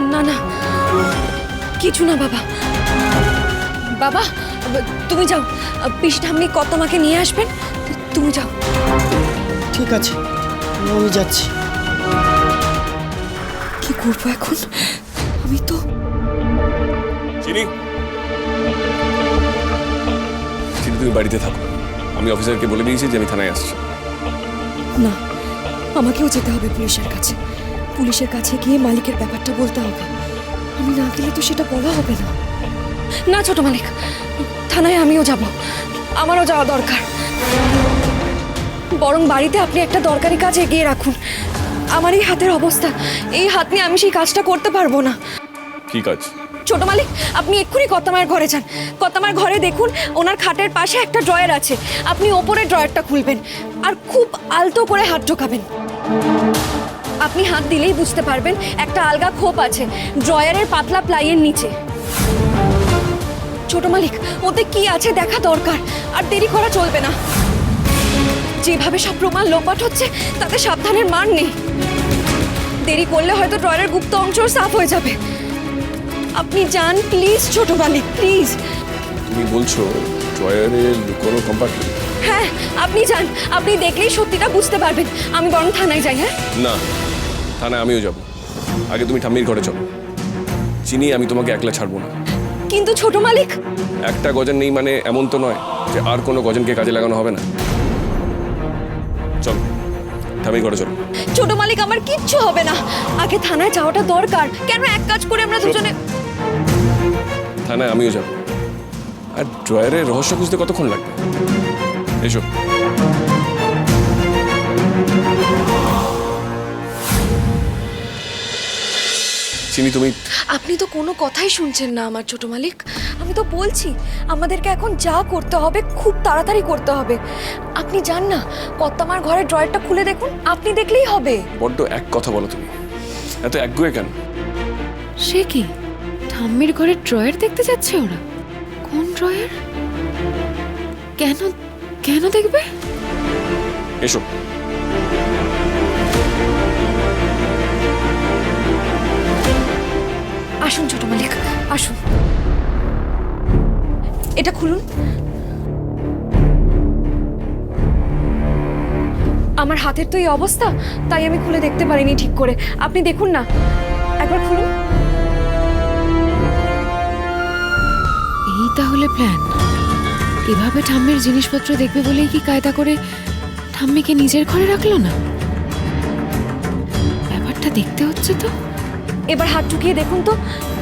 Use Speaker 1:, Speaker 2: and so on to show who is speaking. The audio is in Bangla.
Speaker 1: না না, কিছু না বাবা। বাবা তুমি যাও, পিসি ঠাম্মি কর্তামাকে নিয়ে আসবেন, তুমি যাও।
Speaker 2: ঠিক আছে, আমি যাচ্ছি।
Speaker 1: কি করবো এখন? আমি তো
Speaker 3: চিনি, চিনি তুমি বাড়িতে থাকো। আমি অফিসারকে বলে দিয়েছি যে আমি থানায় আসছি।
Speaker 1: না, আমাকেও যেতে হবে পুলিশের কাছে। পুলিশের কাছে গিয়ে মালিকের ব্যাপারটা বলতে হবে। আমি না গেলে তো সেটা বলা হবে না। না ছোট মালিক, থানায় আমিও যাব, আমারও যাওয়া দরকার। বরং বাড়িতে আপনি একটা দরকারি কাজ এগিয়ে রাখুন। আমার এই হাতের অবস্থা, এই হাত নিয়ে আমি সেই কাজটা করতে পারবো না।
Speaker 3: কি কাজ?
Speaker 1: ছোট মালিক, আপনি এক্ষুনি কর্তামায়ের ঘরে যান। কর্তামার ঘরে দেখুন, ওনার খাটের পাশে একটা ড্রয়ার আছে। আপনি ওপরের ড্রয়ারটা খুলবেন আর খুব আলতো করে হাত ঢোকাবেন। আপনি হাত দিলেই বুঝতে পারবেন একটা আলগা খোপ আছে ড্রয়ারের পাতলা প্লাইয়ের নিচে। ছোট মালিক, ওতে কি আছে দেখা দরকার, আর দেরি করা চলবে না। যেভাবে সব প্রমাণ লোপাট হচ্ছে তাতে সাবধানের মান নেই। দেরি করলে হয়তো ড্রয়ারের গুপ্ত অংশ সাফ হয়ে যাবে। আপনি যান প্লিজ ছোট মালিক, প্লিজ।
Speaker 3: তুমি বলছো ড্রয়ারে লুকোনো কম্পার্টমেন্ট?
Speaker 1: হ্যাঁ, আপনি যান, আপনি দেখলেই সত্যিটা বুঝতে পারবেন। আমি বরং থানায় যাই। হ্যাঁ
Speaker 3: না, থানায় আমিও যাব। আগে তুমি ঠাম্মির ঘরে চলো। চিনি, আমি তোমাকে একলা ছাড়বো না।
Speaker 1: কিন্তু ছোট মালিক,
Speaker 3: একটা গজন নেই মানে এমন তো নয় যে আর কোনো গজনকে কাজে লাগানো হবে না। চলো, ঠাম্মির ঘরে চলো।
Speaker 1: ছোট মালিক, আমার কিচ্ছু হবে না। আগে থানায় যাওয়াটা দরকার। কেন এক কাজ করে আমরা দুজনে।
Speaker 3: থানায় আমিও যাব। আর ড্রয়ারের রহস্য খুঁজতে কতক্ষণ লাগবে? এসো। চিনি, তুমি
Speaker 1: আপনি তো কোনো কথাই শুনছেন না আমার ছোট মালিক। আমি তো বলছি আমাদেরকে এখন যা করতে হবে খুব তাড়াতাড়ি করতে হবে। আপনি যান না, কর্তামার ঘরের ড্রয়ারটা খুলে দেখুন, আপনি দেখলেই হবে।
Speaker 3: বড্ড এক কথা বলো তুমি, এত একগুয়ে কেন?
Speaker 4: সে কি, ঠাম্মির ঘরের ড্রয়ার দেখতে যাচ্ছে ওরা? কোন ড্রয়ার? কেন কেন দেখবে?
Speaker 3: এসো।
Speaker 1: আসুন ছোট মালিক, আসুন। এটা খুলুন। আমার হাতের তো এই অবস্থা, তাই আমি খুলে দেখতে পারিনি ঠিক করে। আপনি দেখুন না, একবার খুলুন।
Speaker 4: এই তাহলে প্ল্যান। এভাবে ঠাম্মির জিনিসপত্র দেখবে বলেই কি কায়দা করে ঠাম্মিকে নিজের ঘরে রাখলো না? ব্যাপারটা দেখতে হচ্ছে তো।
Speaker 1: এবার হাত ঢুকিয়ে দেখুন তো,